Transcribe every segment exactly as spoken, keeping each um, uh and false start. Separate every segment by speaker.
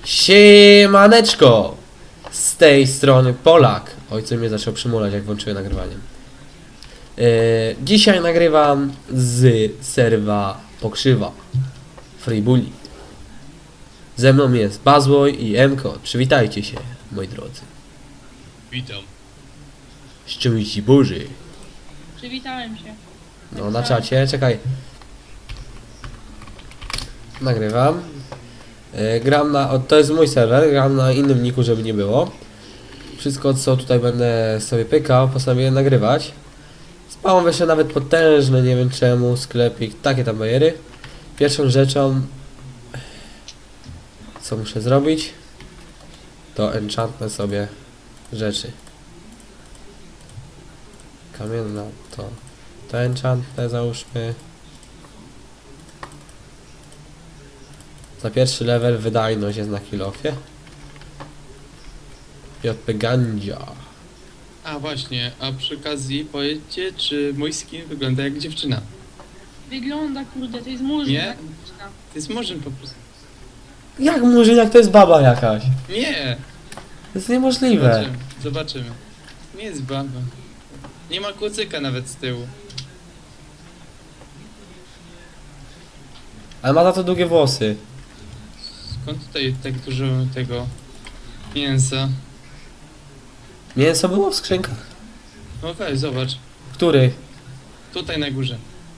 Speaker 1: Siemaneczko! Z tej strony Polak. Ojciec mnie zaczął przymulać, jak włączyłem nagrywanie. Yy, dzisiaj nagrywam z serwa Pokrzywa Free Bully. Ze mną jest Bazłoj i Emko. Przywitajcie się, moi drodzy.
Speaker 2: Witam.
Speaker 1: Szczęść Boży.
Speaker 3: Przywitałem się.
Speaker 1: No na czacie, czekaj. Nagrywam. Yy, gram na... O, to jest mój serwer, gram na innym niku, żeby nie było. Wszystko, co tutaj będę sobie pykał, postanowiłem nagrywać. Spałem jeszcze nawet potężny, nie wiem czemu, sklepik, takie tam bajery. Pierwszą rzeczą, co muszę zrobić, to enchantnę sobie rzeczy. Kamienna to, to enchantnę załóżmy. Za pierwszy level wydajność jest na kill-offie. J P Gandzia.
Speaker 2: A właśnie, a przy okazji powiedzcie, czy mój skin wygląda jak dziewczyna?
Speaker 3: Wygląda, kurde, to jest murzyn.
Speaker 2: Nie?
Speaker 3: tak dziewczyna.
Speaker 2: To jest murzyn po prostu.
Speaker 1: Jak murzyn, jak to jest baba jakaś?
Speaker 2: Nie!
Speaker 1: To jest niemożliwe.
Speaker 2: Zobaczymy, zobaczymy. Nie jest baba. Nie ma kucyka nawet z tyłu.
Speaker 1: Ale ma za to długie włosy.
Speaker 2: Skąd tutaj tak dużo tego mięsa?
Speaker 1: Mięso było w skrzynkach?
Speaker 2: No weź, zobacz.
Speaker 1: Który?
Speaker 2: Tutaj na górze.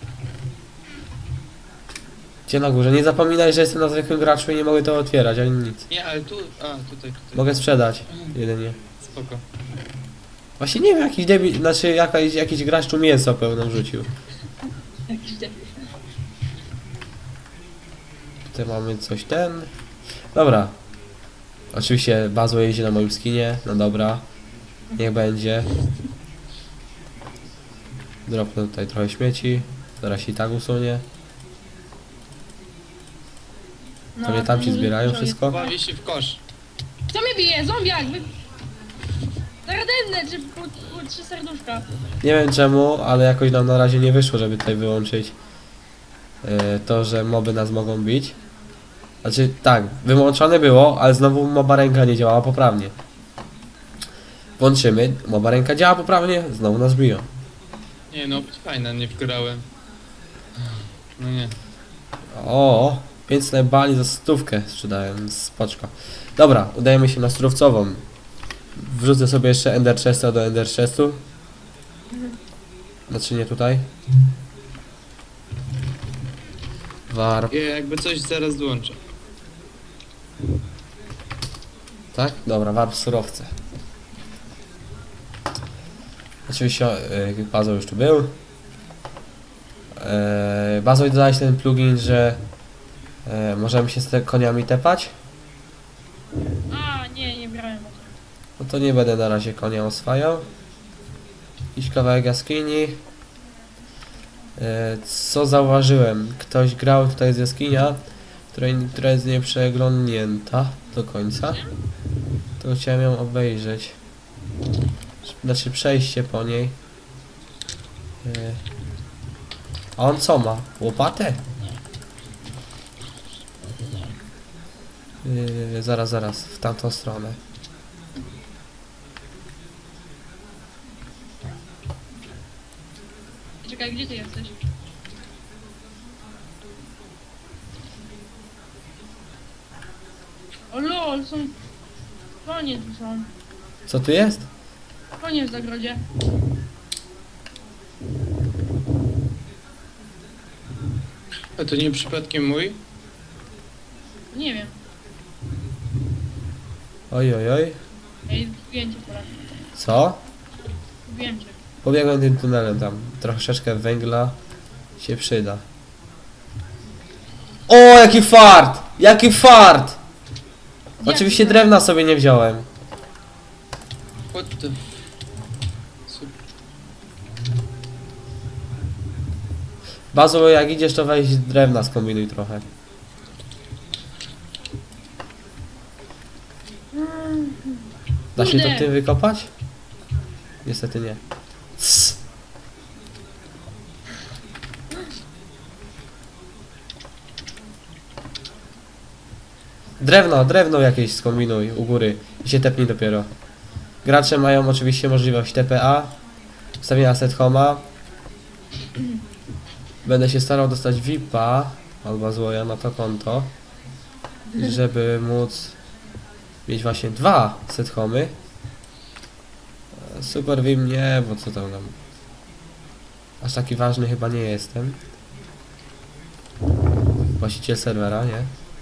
Speaker 1: Gdzie na górze? Nie zapominaj, że jestem na zwykłym graczu i nie mogę to otwierać, ani nic.
Speaker 2: Nie, ale tu... A, tutaj, tutaj.
Speaker 1: Mogę sprzedać. Jedynie.
Speaker 2: Spoko.
Speaker 1: Właśnie nie wiem, jakiś debil, znaczy jakaś, jakiś gracz tu mięso pełno wrzucił.
Speaker 3: Jakiś debil.
Speaker 1: Tutaj mamy coś ten. Dobra. Oczywiście Bazo jeździ na moim skinie. No dobra. Niech będzie. Dropnę tutaj trochę śmieci. Zaraz się i tak usunie.
Speaker 3: No,
Speaker 1: To mnie tam ci
Speaker 3: murzyn
Speaker 1: zbierają
Speaker 3: dużo
Speaker 1: wszystko?
Speaker 3: jest.
Speaker 2: Bawi się w kosz.
Speaker 3: Kto mnie bije? Zombiak! Wy... Zaradenne, czy po, po trzy serduszka.
Speaker 1: Nie wiem czemu, ale jakoś nam na razie nie wyszło, żeby tutaj wyłączyć yy, to, że moby nas mogą bić. Znaczy tak, wyłączone było, ale znowu moba ręka nie działała poprawnie. Włączymy, moba ręka działa poprawnie, znowu nas biją.
Speaker 2: Nie no, fajna, nie wgrałem. No nie.
Speaker 1: O, pięć bali za stówkę sprzedałem, spoczko. Dobra, udajemy się na surowcową. Wrzucę sobie jeszcze Ender Chesta do Ender Chestu. Znaczy nie tutaj. Warp,
Speaker 2: Ja jakby coś zaraz dołączę.
Speaker 1: tak? Dobra, warp surowce. Oczywiście yy, Bazo już tu był. Yy, Bazo, dodałeś ten plugin, że yy, możemy się z te koniami tepać.
Speaker 3: A, nie, nie brałem o tym.
Speaker 1: No to nie będę na razie konia oswajał. Jakiś kawałek jaskini. E, co zauważyłem? Ktoś grał tutaj z jaskinia, której, która jest nieprzeglądnięta do końca. To chciałem ją obejrzeć. Znaczy przejście po niej. E, a on co ma? Łopatę? E, zaraz, zaraz, w tamtą stronę.
Speaker 3: Czekaj, gdzie ty jesteś? O lol, są... Konie tu są.
Speaker 1: Co tu jest?
Speaker 3: Konie w zagrodzie.
Speaker 2: A to nie przypadkiem mój?
Speaker 3: Nie wiem.
Speaker 1: Oj, oj, oj.
Speaker 3: Ej, zgubiłem cię pora.
Speaker 1: Co?
Speaker 3: Zgubiłem cię.
Speaker 1: Pobiegłem tym tunelem tam. Troszeczkę węgla się przyda. O, jaki fart! Jaki fart! Oczywiście
Speaker 3: Jak to?
Speaker 1: drewna sobie nie wziąłem.
Speaker 2: What the... Super.
Speaker 1: Bazo, jak idziesz, to weź drewna, skombinuj trochę. Da się to
Speaker 3: Kurde.
Speaker 1: tym wykopać? Niestety nie. Cs. Drewno, drewno jakieś skombinuj u góry i się tepnij dopiero. Gracze mają oczywiście możliwość T P A, wstawienia set homa. Będę się starał dostać V I P-a albo złoja na to konto, żeby móc mieć właśnie dwa set homy. Super V I M nie, bo co tam nam. Aż taki ważny chyba nie jestem. Właściciel serwera, nie?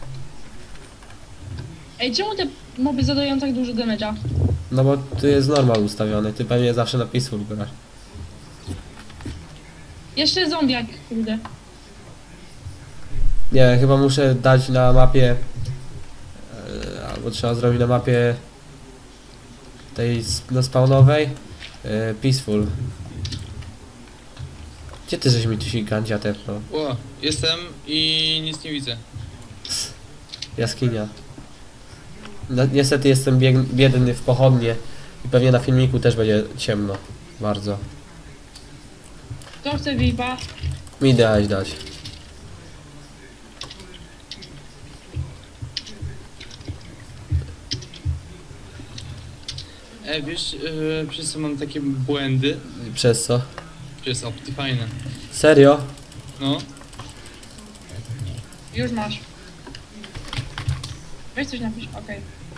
Speaker 3: Ej, czemu te moby zadają tak dużo damage'a?
Speaker 1: No bo tu jest normal ustawiony, ty pewnie zawsze na peaceful grasz.
Speaker 3: Jeszcze zombiak, kurde.
Speaker 1: Nie, chyba muszę dać na mapie, e, albo trzeba zrobić na mapie tej sp- no spawnowej e, peaceful. Gdzie ty żeś mi tu się gandzia tepnął?
Speaker 2: O, jestem i nic nie widzę.
Speaker 1: Jaskinia. No, niestety jestem bieg- biedny w pochodnie i pewnie na filmiku też będzie ciemno. Bardzo.
Speaker 3: Kto chce V I P-a?
Speaker 1: Mi dać dać.
Speaker 2: E, wiesz, yy, przez co mam takie błędy?
Speaker 1: Przez co?
Speaker 2: Przez Optifine.
Speaker 1: Serio?
Speaker 2: No,
Speaker 3: Już masz. Weź coś napisz, okej.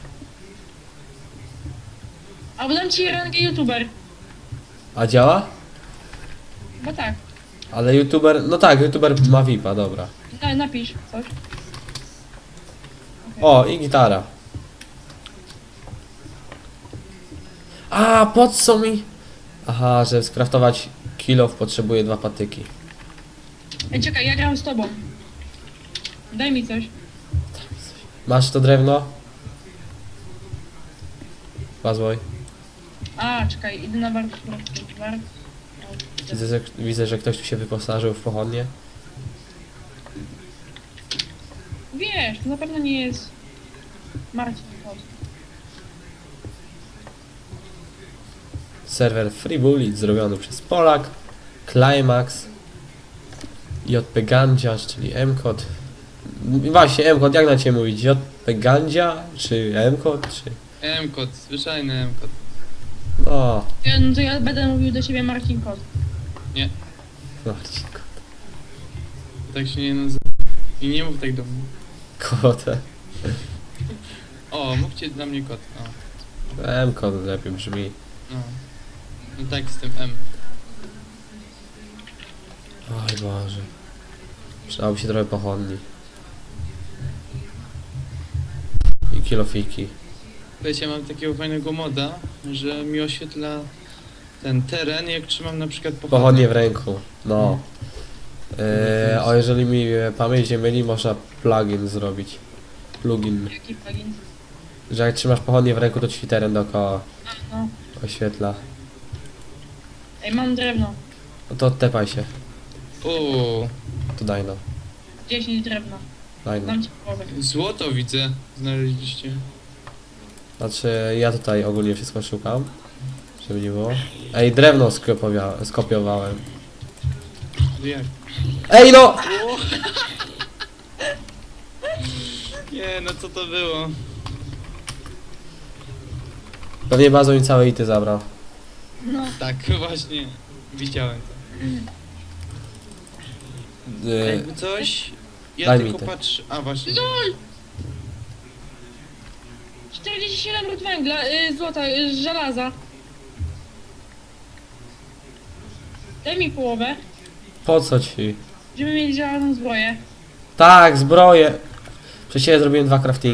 Speaker 3: Albo dam ci rangę youtuber.
Speaker 1: A działa?
Speaker 3: Bo tak.
Speaker 1: Ale youtuber, no tak, youtuber ma V I P-a, dobra.
Speaker 3: Na, napisz coś.
Speaker 1: O, i gitara. A, po co mi? Aha, żeby skraftować kilof potrzebuję dwa patyki.
Speaker 3: Ej, czekaj, ja gram z tobą. Daj mi coś.
Speaker 1: Masz to drewno? Bazłoj.
Speaker 3: A, czekaj, idę na wart. wart.
Speaker 1: Widzę, że, widzę, że ktoś tu się wyposażył w pochodnie.
Speaker 3: Wiesz, to na pewno nie jest Marcin. Kot.
Speaker 1: Serwer Free Bullet zrobiony przez Polak, Climax, J P Gandziarz, czyli M-Kod. Właśnie, M-Kod, jak na ciebie mówić? J P Gandzia, czy M-Kod, czy...
Speaker 2: M-kod, zwyczajny M-kod.
Speaker 1: No,
Speaker 3: Ja, no to ja będę mówił do siebie Marcin Kot.
Speaker 1: Marcin,
Speaker 2: Tak się nie nazywa. I nie mów tak do mnie.
Speaker 1: kotę.
Speaker 2: O, mówcie dla mnie kot. O,
Speaker 1: M-Kod lepiej brzmi.
Speaker 2: no. No tak, z tym M.
Speaker 1: Oj Boże. Przydałoby się trochę pochodni. I kilofiki.
Speaker 2: Wiecie, mam takiego fajnego moda, że mi oświetla ten teren, jak trzymam na przykład pochodnie.
Speaker 1: Pochodnie w ręku, no. Eee, o, jeżeli mi e, pamięć nie myli, można plugin zrobić. Plugin.
Speaker 3: Jaki plugin?
Speaker 1: Że jak trzymasz pochodnie w ręku, to ci teren dookoła
Speaker 3: No.
Speaker 1: oświetla.
Speaker 3: Ej, mam drewno.
Speaker 1: No to tepaj się.
Speaker 2: O,
Speaker 1: To daj no.
Speaker 3: dziesięć drewna.
Speaker 1: Daj no.
Speaker 3: Dam ci połowę.
Speaker 2: złoto widzę, znaleźliście.
Speaker 1: Znaczy, ja tutaj ogólnie wszystko szukam. Żeby nie było. Ej, drewno skopiowa- skopiowałem.
Speaker 2: Jak?
Speaker 1: Ej no!
Speaker 2: Nie, no co to było?
Speaker 1: Pewnie bazą mi całe ity zabrał.
Speaker 3: No.
Speaker 2: Tak, właśnie, widziałem to.
Speaker 1: Yy,
Speaker 2: Jakby coś, ja
Speaker 1: Daj mi
Speaker 2: tylko
Speaker 1: te.
Speaker 2: patrzę, a właśnie.
Speaker 3: LOL! czterdzieści siedem rud węgla, y, złota, y, żelaza. Daj mi połowę,
Speaker 1: po co ci?
Speaker 3: żeby mieć żelazną zbroję.
Speaker 1: Tak, zbroję. Przecież ja zrobiłem dwa craftingi.